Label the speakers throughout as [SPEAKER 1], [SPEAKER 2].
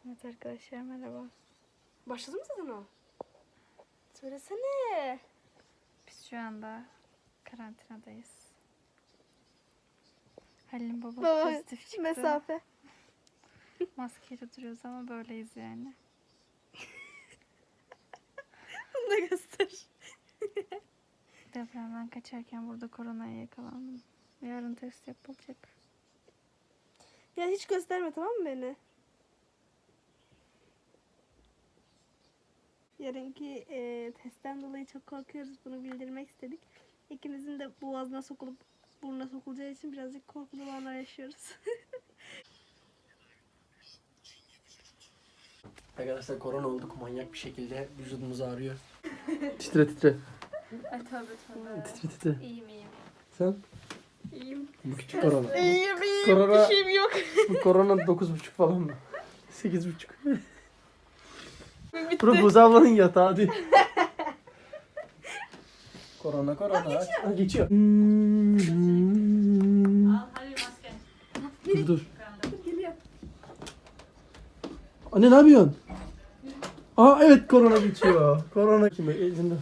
[SPEAKER 1] Evet arkadaşlar merhaba.
[SPEAKER 2] Başladı mı zaten o? Söylesene.
[SPEAKER 1] Biz şu anda karantinadayız. Halil'in babası
[SPEAKER 2] Baba,
[SPEAKER 1] pozitif çıktı.
[SPEAKER 2] mesafe.
[SPEAKER 1] Maskeyle duruyoruz ama böyleyiz yani.
[SPEAKER 2] Bunu da göster.
[SPEAKER 1] Depremden kaçarken burada koronaya yakalandım. Yarın test yapılacak.
[SPEAKER 2] Ya hiç gösterme, tamam mı beni? Yarınki testten dolayı çok korkuyoruz. Bunu bildirmek istedik. İkimizin de boğazına sokulup burnuna sokulacağı için birazcık korkulu anlar yaşıyoruz.
[SPEAKER 3] Arkadaşlar korona olduk manyak bir şekilde vücudumuz ağrıyor. Titre titre.
[SPEAKER 1] Ay tövbe tövbe.
[SPEAKER 3] Titre titre.
[SPEAKER 1] İyiyim.
[SPEAKER 3] Sen?
[SPEAKER 1] İyiyim.
[SPEAKER 3] Bu küçük korona.
[SPEAKER 2] İyiyim.
[SPEAKER 3] Korona-
[SPEAKER 2] Bir şeyim yok.
[SPEAKER 3] Bu korona 9,5 falan mı? 8,5.
[SPEAKER 2] Bitti.
[SPEAKER 3] Bura Buz ablanın yatağı hadi. Korona korona. Ha, geçiyor.
[SPEAKER 4] Al Halil maske.
[SPEAKER 3] Dur.
[SPEAKER 2] Geliyor.
[SPEAKER 3] Anne ne yapıyorsun? Aa evet korona geçiyor. Korona kime? Elinde.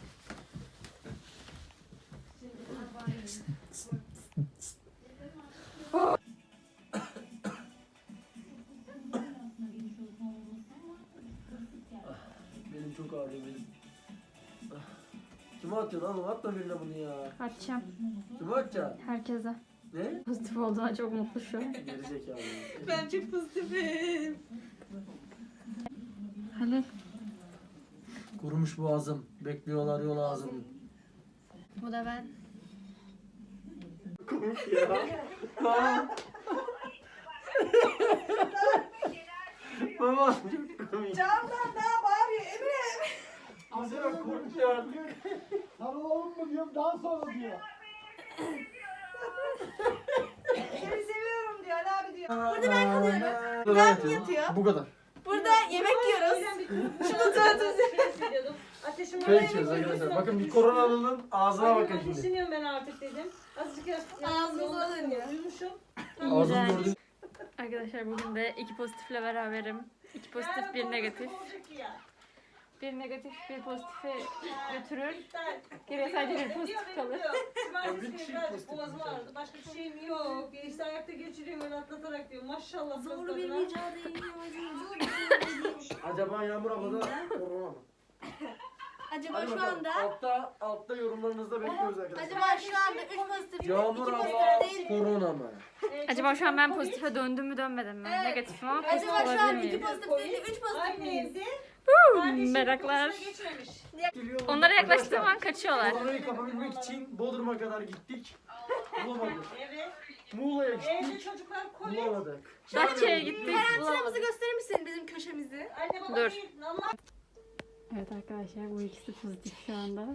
[SPEAKER 3] Benim çok ağrıyor benim. Kime atıyorsun oğlum? Atma birine bunu ya.
[SPEAKER 1] Atacağım.
[SPEAKER 3] Kime atacaksın?
[SPEAKER 1] Herkese.
[SPEAKER 3] Ne?
[SPEAKER 1] Pozitif olduğuna çok mutlu şu an.
[SPEAKER 3] Geri zekalı.
[SPEAKER 2] Ben çok pozitifim.
[SPEAKER 1] Halil.
[SPEAKER 3] Kurumuş boğazım. Bekliyorlar yol ağzım.
[SPEAKER 1] Bu da ben.
[SPEAKER 3] Komik ya. Baba çok komik.
[SPEAKER 2] Camdan daha bağırıyor Emre.
[SPEAKER 3] Mesela komik ya artık.
[SPEAKER 5] Sarılalım mı diyorum daha sonra diyor.
[SPEAKER 2] Seni seviyorum diyor Ali abi diyor. Burada ben kalıyorum.
[SPEAKER 3] Ben
[SPEAKER 2] yatıyor.
[SPEAKER 3] Bu kadar.
[SPEAKER 2] Burada yemek yiyoruz. Şunu tuvaletimize.
[SPEAKER 4] Ateşim
[SPEAKER 3] Çay içiyoruz arkadaşlar. Bakın bir koronalının ağzına bakın şimdi.
[SPEAKER 4] Ateşleniyorum ben artık dedim. Azıcık
[SPEAKER 2] Ağzımıza dönüyor.
[SPEAKER 4] Uyumuşum.
[SPEAKER 3] Ağzını
[SPEAKER 1] İğrenç.
[SPEAKER 3] gördün.
[SPEAKER 1] Arkadaşlar bugün de 2 pozitifle beraberim. 2 pozitif, 1 negatif. Bir negatif, bir pozitifi götürür. Geriye sadece bir pozitif kalır.
[SPEAKER 3] Bir kişi pozitif
[SPEAKER 4] Boğazım ağrıdı. Başka bir şeyim yok. İşte ayakta geçiriyorum öyle atlatarak diyor. Maşallah.
[SPEAKER 2] Zorlu bir mücadele.
[SPEAKER 3] Acaba Yağmur abla da korona mı?
[SPEAKER 2] Acaba
[SPEAKER 3] Hadi
[SPEAKER 2] şu
[SPEAKER 3] bakalım.
[SPEAKER 2] anda
[SPEAKER 3] Altta yorumlarınızda bekliyoruz arkadaşlar.
[SPEAKER 2] acaba şu anda 3 pozitif,
[SPEAKER 3] Yağmur
[SPEAKER 2] 2
[SPEAKER 3] abla
[SPEAKER 2] pozitif değil.
[SPEAKER 3] korona mı?
[SPEAKER 1] Acaba şu an ben pozitife döndüm mü dönmedim mi?
[SPEAKER 2] Evet.
[SPEAKER 1] Negatifim ama pozitif
[SPEAKER 2] Acaba şu an
[SPEAKER 1] olabilir
[SPEAKER 2] 2
[SPEAKER 1] miyim?
[SPEAKER 2] pozitif değil de 3 pozitif
[SPEAKER 4] Aynı
[SPEAKER 2] miyiz?
[SPEAKER 4] evde.
[SPEAKER 1] Meraklar.
[SPEAKER 4] Geçmemiş.
[SPEAKER 1] Onlara yaklaştığım
[SPEAKER 3] Arkadaşlar,
[SPEAKER 1] an kaçıyorlar.
[SPEAKER 3] Koronayı kapabilmek için Bodrum'a kadar gittik. Bulamadık.
[SPEAKER 4] Evet.
[SPEAKER 3] Muğla'ya
[SPEAKER 4] Evde
[SPEAKER 3] gittik.
[SPEAKER 4] çocuklar kolik.
[SPEAKER 3] Bulamadık.
[SPEAKER 1] Datça'ya gittik.
[SPEAKER 2] Karantinamızı gösterir misin bizim köşemizi?
[SPEAKER 4] Anne baba
[SPEAKER 1] Dur.
[SPEAKER 4] değil. Allah.
[SPEAKER 1] Evet arkadaşlar bu ikisi pozitif şu anda.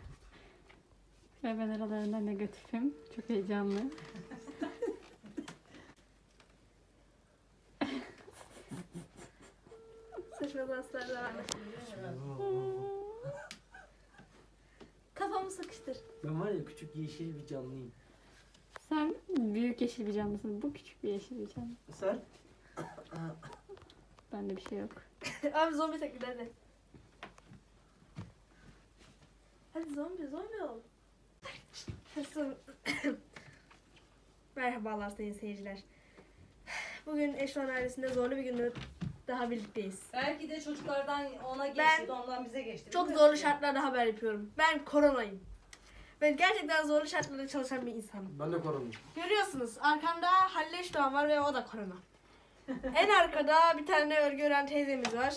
[SPEAKER 1] Ve ben aralarında negatifim. Çok heyecanlı.
[SPEAKER 2] Saçma danslar devam et. Kafamı sıkıştır.
[SPEAKER 3] Ben var ya küçük yeşil bir canlıyım.
[SPEAKER 1] Sen büyük yeşil bir canlısın. Bu küçük bir yeşil bir canlı.
[SPEAKER 3] Sen?
[SPEAKER 1] Bende bir şey yok.
[SPEAKER 2] Abi zombi taklidi hadi. Hadi zombi ol. Nasıl? Merhabalar sayın seyirciler. Bugün Eşron ailesinde zorlu bir günde daha birlikteyiz.
[SPEAKER 4] Belki de çocuklardan ona geçti,
[SPEAKER 2] Ben-
[SPEAKER 4] ondan bize geçti.
[SPEAKER 2] Çok
[SPEAKER 4] Bilmiyorum.
[SPEAKER 2] zorlu şartlarda haber yapıyorum. Ben koronayım. Ben gerçekten zorlu şartlarda çalışan bir insanım.
[SPEAKER 3] Ben de koronayım.
[SPEAKER 2] Görüyorsunuz arkamda Halil Eşdoğan var ve o da korona. En arkada bir tane örgü ören teyzemiz var.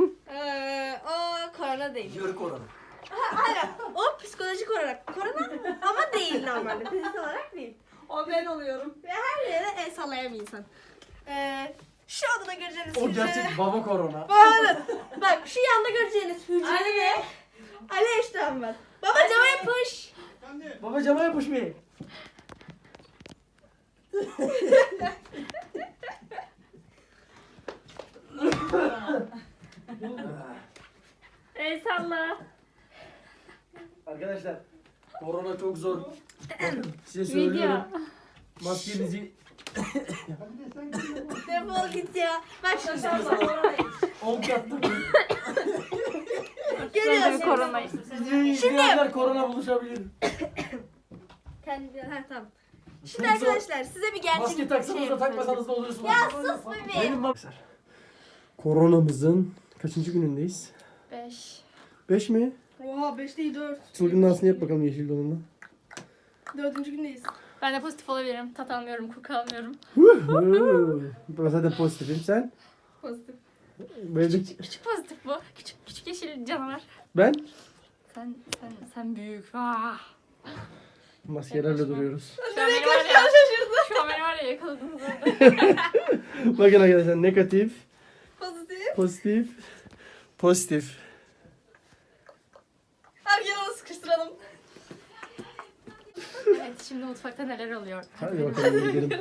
[SPEAKER 2] O korona değil.
[SPEAKER 3] Yörük korona.
[SPEAKER 2] Hayır, o psikolojik olarak korona ama değil normalde. Fiziksel olarak değil.
[SPEAKER 4] O ben oluyorum.
[SPEAKER 2] Ve her yere el sallayan bir insan. Şu odada göreceğiniz
[SPEAKER 3] O gerçek baba korona.
[SPEAKER 2] Bak şu yanda göreceğiniz hücrede de Ali Eşdoğan var. Baba cama yapış.
[SPEAKER 3] Baba cama yapış bir.
[SPEAKER 1] Ey salla.
[SPEAKER 3] Arkadaşlar korona çok zor. Bakın size söylüyorum.
[SPEAKER 1] Video.
[SPEAKER 3] Maskenizi
[SPEAKER 5] Hadi de sen gidelim.
[SPEAKER 2] Defol git ya. Bak şimdi.
[SPEAKER 3] Olk yaptım.
[SPEAKER 1] Sonra koronayı.
[SPEAKER 3] Videoyu izleyenler korona buluşabilir.
[SPEAKER 2] Kendi tamam. Şimdi arkadaşlar size bir gerçek
[SPEAKER 3] Maske taksanız da takmasanız da oluyorsunuz.
[SPEAKER 2] Ya sus bebeğim.
[SPEAKER 3] Koronamızın kaçıncı günündeyiz?
[SPEAKER 1] 5.
[SPEAKER 3] 5 mi?
[SPEAKER 2] Oha 5 değil 4.
[SPEAKER 3] Çılgın dansını yap bakalım yeşil donunla.
[SPEAKER 2] 4. gündeyiz.
[SPEAKER 1] Ben de pozitif olabilirim. Tat almıyorum, koku almıyorum.
[SPEAKER 3] Ben zaten pozitifim. Sen?
[SPEAKER 2] Pozitif.
[SPEAKER 3] Böyle
[SPEAKER 1] Küçük pozitif bu. Küçük yeşil canavar.
[SPEAKER 3] ben?
[SPEAKER 1] Sen büyük. Ah.
[SPEAKER 3] Maskelerle duruyoruz.
[SPEAKER 1] Şu an beni var ya. Şu an beni var ya yakaladınız orada.
[SPEAKER 3] Bakın arkadaşlar negatif,
[SPEAKER 2] Pozitif.
[SPEAKER 3] pozitif, pozitif.
[SPEAKER 2] Abi gel onu sıkıştıralım.
[SPEAKER 1] Evet, şimdi mutfakta neler oluyor?
[SPEAKER 3] Hadi bakalım gidelim.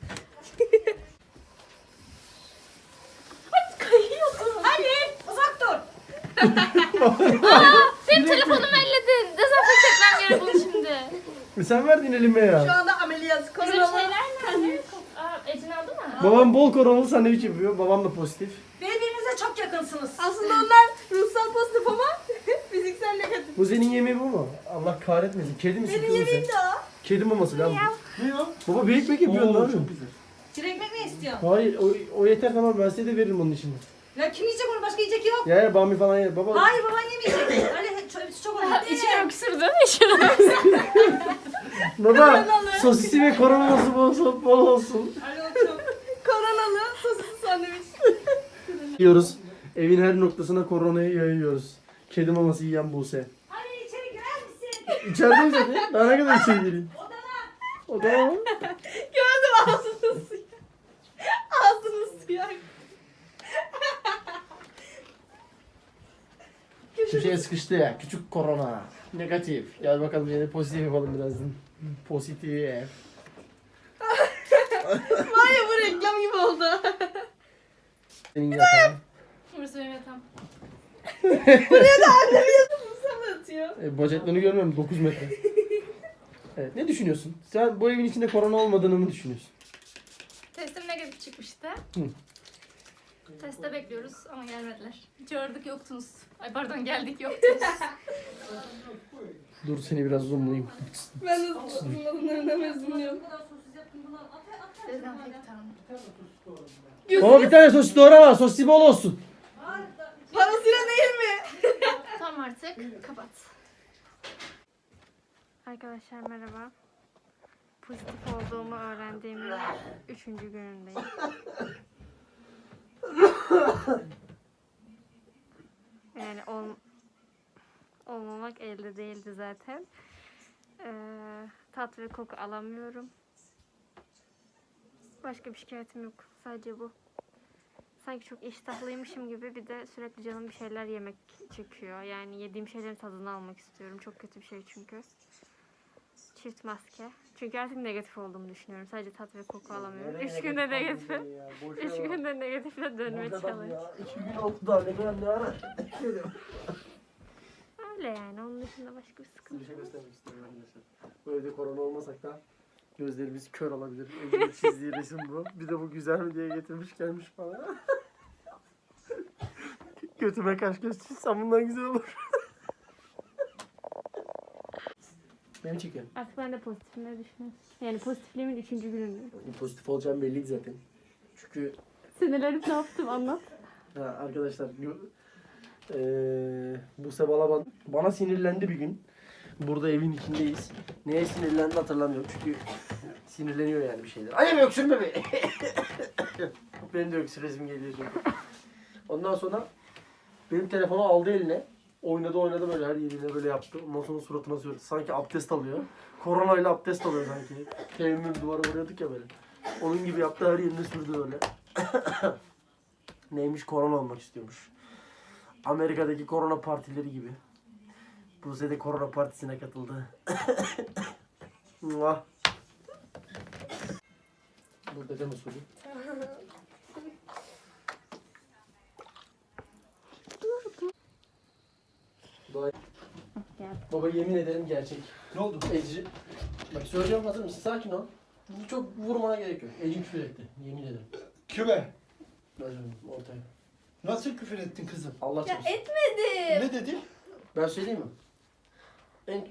[SPEAKER 4] Ali uzak dur.
[SPEAKER 1] Benim telefonumu elledin. Dezenfekte etmem gerek bunu şimdi.
[SPEAKER 3] Sen verdin elime
[SPEAKER 2] Şu
[SPEAKER 3] ya.
[SPEAKER 2] anda ameliyat.
[SPEAKER 1] Bizim
[SPEAKER 2] Koronalı.
[SPEAKER 1] şeyler nerede? Ecin aldı mı?
[SPEAKER 3] Babam bol koronalı sandviç yapıyor. Babam da pozitif.
[SPEAKER 4] Birbirinize çok yakınsınız.
[SPEAKER 2] Aslında onlar ruhsal pozitif ama fiziksel negatif.
[SPEAKER 3] Bu senin yemeği bu mu? Allah kahretmesin. Kedi misin
[SPEAKER 2] Benim
[SPEAKER 3] kızım sen?
[SPEAKER 2] yemeğim de o.
[SPEAKER 3] Kedi maması lan bu. Ne ya? Baba bir ekmek yapıyorsun ne yapıyorsun?
[SPEAKER 4] Bir ekmek mi istiyorsun?
[SPEAKER 3] Hayır o yeter tamam ben size de veririm onun içinde.
[SPEAKER 4] Ya kim yiyecek onu? Başka yiyecek yok.
[SPEAKER 3] Ya bami falan yer. Baba
[SPEAKER 4] Hayır baban yemeyecek. Ali çok önemli.
[SPEAKER 1] İçine öksürdü. İçine
[SPEAKER 3] baba sosisi ve koronaması bol olsun.
[SPEAKER 4] Ali o çok.
[SPEAKER 2] Koronalı sosisli sandviç.
[SPEAKER 3] Yiyoruz. Evin her noktasına koronayı yayıyoruz. Kedi maması yiyen Buse.
[SPEAKER 4] Ali içeri girer misin?
[SPEAKER 3] İçerideyim zaten. Daha ne kadar içeri gireyim? Odana mı?
[SPEAKER 2] Gördüm ağzını suya. Ağzını suya.
[SPEAKER 3] Köşeye sıkıştı ya. Küçük korona. Negatif. Gel bakalım yine pozitif yapalım birazdan. Pozitif.
[SPEAKER 2] Var ya bu reklam gibi oldu.
[SPEAKER 3] Senin yatağın.
[SPEAKER 1] Burası benim yatağım.
[SPEAKER 2] Sana atıyor.
[SPEAKER 3] Bacaklarını görmüyorum 9 metre. Evet, ne düşünüyorsun? Sen bu evin içinde korona olmadığını mı düşünüyorsun?
[SPEAKER 1] Testim negatif çıkmıştı.
[SPEAKER 3] Hı.
[SPEAKER 1] Teste bekliyoruz ama gelmediler. Çağırdık yoktunuz. Ay pardon geldik yoktunuz.
[SPEAKER 3] Dur seni biraz zoomlayayım.
[SPEAKER 2] Ben de bunların mezunuyum.
[SPEAKER 4] Bu kadar sosis yaptım bunu. At.
[SPEAKER 1] Dezenfektan.
[SPEAKER 3] Baba bir tane sosis doğrama. Sosisi bol olsun.
[SPEAKER 2] Parasıyla değil mi?
[SPEAKER 1] Tamam artık kapat. Arkadaşlar merhaba. Pozitif olduğumu öğrendiğimin 3. günündeyim. Yani olmamak elde değildi zaten. Tat ve koku alamıyorum. Başka bir şikayetim yok. Sadece bu. Sanki çok iştahlıymışım gibi bir de sürekli canım bir şeyler yemek çekiyor. Yani yediğim şeylerin tadını almak istiyorum. Çok kötü bir şey çünkü. Çift maske. Çünkü artık negatif olduğumu düşünüyorum. Sadece tat ve koku alamıyorum. 3 günde negatifim. 3 günde negatifle dönme challenge.
[SPEAKER 3] 2 gün oldu daha ne kadar ne ara.
[SPEAKER 1] Öyle yani. Onun dışında başka bir sıkıntı
[SPEAKER 3] Bir şey
[SPEAKER 1] yok.
[SPEAKER 3] göstermek istiyorum arkadaşlar. Bu evde korona olmasak da gözlerimiz kör olabilir. Evde çizdiği resim bu. Bir de bu güzel mi diye getirmiş gelmiş bana. Götüme kaş göz çizsem bundan güzel olur. Beni çekiyorum.
[SPEAKER 1] Artık ben de pozitifim ne düşünüyorsun? Yani pozitifliğimin 3. günündeyim.
[SPEAKER 3] Pozitif olacağım belliydi zaten. Çünkü
[SPEAKER 1] Sinirlenip ne yaptım anlat.
[SPEAKER 3] arkadaşlar Buse Balaban bana sinirlendi bir gün. Burada evin içindeyiz. Neye sinirlendi hatırlamıyorum çünkü sinirleniyor yani bir şeyler. Ay öksürme be. Benim de öksüresim geliyor çünkü. Ondan sonra benim telefonu aldı eline. Oynadı böyle her yerine böyle yaptı. Ondan sonra suratına sürdü. Sanki abdest alıyor. Koronayla abdest alıyor sanki. Teyemmüm duvara vuruyorduk ya böyle. Onun gibi yaptı her yerine sürdü öyle. Neymiş korona olmak istiyormuş. Amerika'daki korona partileri gibi. Buse de korona partisine katıldı. Muah. Burada da usulü. Baba yemin ederim gerçek.
[SPEAKER 5] Ne oldu?
[SPEAKER 3] Ecri. Bak söylüyorum hazır mısın? Sakin ol. Çok vurmana gerek yok. Ecin küfür etti. Yemin ederim.
[SPEAKER 5] Kime?
[SPEAKER 3] Özür ortaya.
[SPEAKER 5] Nasıl küfür ettin kızım?
[SPEAKER 3] Allah
[SPEAKER 2] Ya
[SPEAKER 3] çarpsın.
[SPEAKER 2] etmedim.
[SPEAKER 5] Ne dedi?
[SPEAKER 3] Ben söyleyeyim mi? En...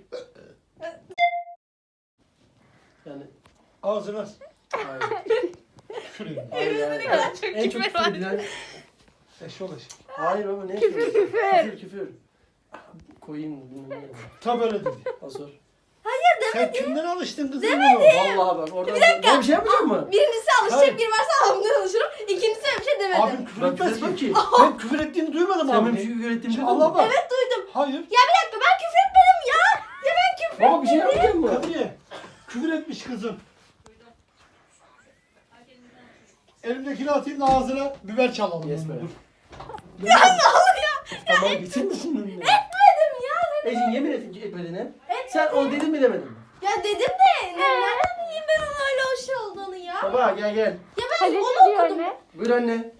[SPEAKER 3] Yani...
[SPEAKER 5] Ağzına
[SPEAKER 3] Hayır.
[SPEAKER 5] küfür edin.
[SPEAKER 3] Hayır, hayır. En çok küfür edilen...
[SPEAKER 5] Eşolaş.
[SPEAKER 3] Hayır baba ne
[SPEAKER 1] Küfür,
[SPEAKER 3] küfür. Küfür. Koyayım bilmem ne.
[SPEAKER 5] Tam öyle dedi.
[SPEAKER 3] Asor.
[SPEAKER 5] Sen kimden alıştın kızım bunu?
[SPEAKER 3] Vallahi bak oradan... Ben bir şey yapmayacak mı?
[SPEAKER 2] Birincisi alışacak
[SPEAKER 5] Hayır.
[SPEAKER 2] biri varsa abimden alışırım. İkincisi öyle bir şey demedim.
[SPEAKER 5] Abim küfür
[SPEAKER 3] Ben küfür
[SPEAKER 5] etmez
[SPEAKER 3] etmem
[SPEAKER 5] ki.
[SPEAKER 3] ki.
[SPEAKER 5] Ben küfür ettiğini duymadım
[SPEAKER 3] Sen benim
[SPEAKER 5] abi.
[SPEAKER 3] küfür ettiğimi
[SPEAKER 5] Şimdi
[SPEAKER 3] duydun
[SPEAKER 5] Allah
[SPEAKER 3] mu?
[SPEAKER 5] bak.
[SPEAKER 2] Evet duydum.
[SPEAKER 5] Hayır.
[SPEAKER 2] Ya bir dakika ben küfür etmedim ya. Ya ben küfür
[SPEAKER 3] Baba bir şey yapmayacak mı?
[SPEAKER 5] Kadriye. Küfür etmiş kızım. Elimdekini atayım da ağzına biber çalalım.
[SPEAKER 3] Yes be.
[SPEAKER 5] Dur.
[SPEAKER 2] Ya ne oluyor?
[SPEAKER 3] Tamam gitsin misin önüne?
[SPEAKER 2] Etmedim ya.
[SPEAKER 3] Ecin yemin ettin ki etmediğine. Sen onu dedin mi demedin mi?
[SPEAKER 2] Ya dedim de nereden bileyim ben onun öyle hoş olduğunu ya.
[SPEAKER 3] Baba gel gel.
[SPEAKER 2] Ya ben
[SPEAKER 1] Halil
[SPEAKER 2] onu
[SPEAKER 1] ne diyor
[SPEAKER 2] okudum.
[SPEAKER 1] anne?
[SPEAKER 3] Buyur anne.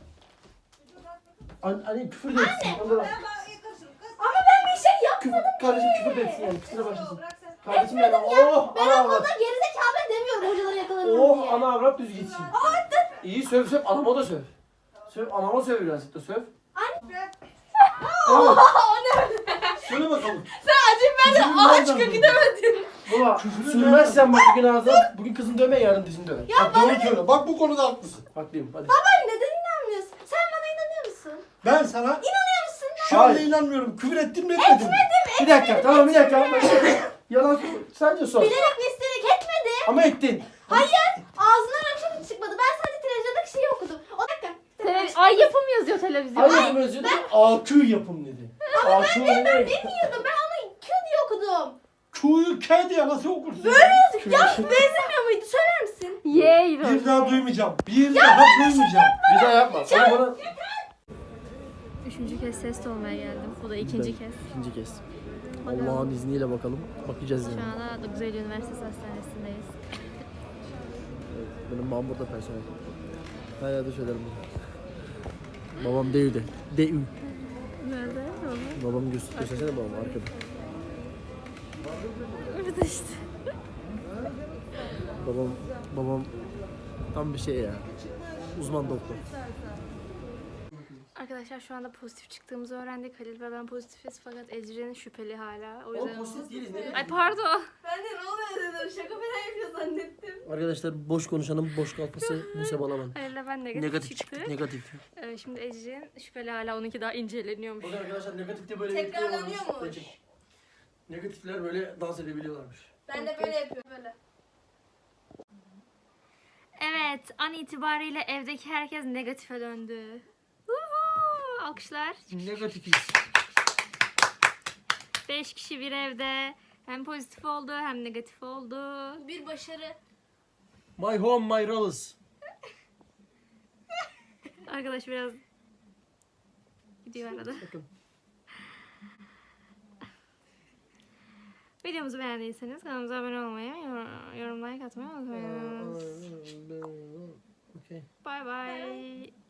[SPEAKER 3] Anne küfür de etsin. Ondan
[SPEAKER 2] Ama ben bir şey yapmadım.
[SPEAKER 3] Kardeşim küfür de etsin yani. Küfüre başlasın.
[SPEAKER 4] Bırak sen.
[SPEAKER 3] Kardeşim yani. Oh
[SPEAKER 2] Ben
[SPEAKER 3] ana avrat.
[SPEAKER 2] okulda gerizekalı demiyorum hocalara yakalanırım diye.
[SPEAKER 3] Oh ana avrat düz gitsin. İyi söv söv. Anama da söv. Söv anama söv birazcık da söv.
[SPEAKER 2] Aa, o ne?
[SPEAKER 5] Söyle bakalım.
[SPEAKER 2] Sen acım ben de
[SPEAKER 5] Küfürün
[SPEAKER 2] ağaç
[SPEAKER 5] nereden
[SPEAKER 2] kökü
[SPEAKER 5] buldun?
[SPEAKER 2] demedin.
[SPEAKER 3] Baba
[SPEAKER 5] Küfürün
[SPEAKER 3] sürmezsen bak bugün ağzına. Bugün kızın dövme yarın dizini döver.
[SPEAKER 5] Bak doğru söyle. Bak bu konuda haklısın.
[SPEAKER 3] Haklıyım hadi.
[SPEAKER 2] Baba neden inanmıyorsun? Sen bana inanıyor musun?
[SPEAKER 5] Ben sana
[SPEAKER 2] İnanıyor musun?
[SPEAKER 5] şu anda
[SPEAKER 3] Hayır.
[SPEAKER 5] inanmıyorum. Küfür ettin mi etmedin mi?
[SPEAKER 3] Bir dakika tamam bir dakika. Yalan sadece sor.
[SPEAKER 2] Bilerek ve isteyerek etmedi.
[SPEAKER 3] Ama ettin.
[SPEAKER 2] Hayır. Ağzından öyle bir şey çıkmadı. Ben sadece televizyondaki şeyi okudum. O dakika.
[SPEAKER 1] Ay yapım yazıyor televizyonda.
[SPEAKER 3] Hayır bunu özür dilerim. AQ yapım dedi. AQ ne demek?
[SPEAKER 2] Bilmiyordum. Ben onu Q diye okudum.
[SPEAKER 5] Q'yu K diye nasıl okursun?
[SPEAKER 2] Ya benzemiyor muydu? Söyler misin?
[SPEAKER 1] Yey.
[SPEAKER 5] Bir daha duymayacağım. Bir daha duymayacağım.
[SPEAKER 3] Bir daha yapma. Sen bana...
[SPEAKER 1] Üçüncü kez test olmaya geldim. Bu da ikinci kez.
[SPEAKER 3] İkinci kez.
[SPEAKER 1] Bakalım.
[SPEAKER 3] Allah'ın izniyle bakalım. Bakacağız yani.
[SPEAKER 1] Şu anda Güzel Üniversitesi Hastanesi'ndeyiz.
[SPEAKER 3] Benim babam burada personel. Her yerde söylerim bunu. Babam Deyü'de. Deyü.
[SPEAKER 1] Nerede?
[SPEAKER 3] Babam göstersene babam arkada.
[SPEAKER 1] Orada işte.
[SPEAKER 3] Babam tam bir şey ya. Uzman doktor.
[SPEAKER 1] Arkadaşlar şu anda pozitif çıktığımızı öğrendik. Halil ve ben pozitifiz fakat Ecrin şüpheli hala. O yüzden...
[SPEAKER 3] değiliz ne?
[SPEAKER 1] Ay pardon.
[SPEAKER 2] Ben de ne oluyor dedim. Şaka falan yapıyor zannettim.
[SPEAKER 3] Arkadaşlar boş konuşanın boş kalkması Buse Balaban.
[SPEAKER 1] Halil'le ben negatif,
[SPEAKER 3] Negatif
[SPEAKER 1] çıktı.
[SPEAKER 3] çıktık negatif.
[SPEAKER 1] Şimdi Ecrin şüpheli hala onunki daha inceleniyormuş.
[SPEAKER 3] Bakın arkadaşlar negatifte böyle
[SPEAKER 2] Tekrarlanıyormuş.
[SPEAKER 3] Negatifler böyle dans edebiliyorlarmış.
[SPEAKER 2] Ben de böyle yapıyorum. Böyle.
[SPEAKER 1] Evet, an itibariyle evdeki herkes negatife döndü. Uhu, alkışlar.
[SPEAKER 3] Negatifiz.
[SPEAKER 1] 5 kişi bir evde. Hem pozitif oldu hem negatif oldu.
[SPEAKER 2] Bir başarı.
[SPEAKER 3] My home my rules.
[SPEAKER 1] Arkadaş biraz gidiyor arada.
[SPEAKER 3] Bakın.
[SPEAKER 1] Videomuzu beğendiyseniz kanalımıza abone olmayı, yorum like atmayı unutmayın.
[SPEAKER 3] Okay.
[SPEAKER 1] Bye bye.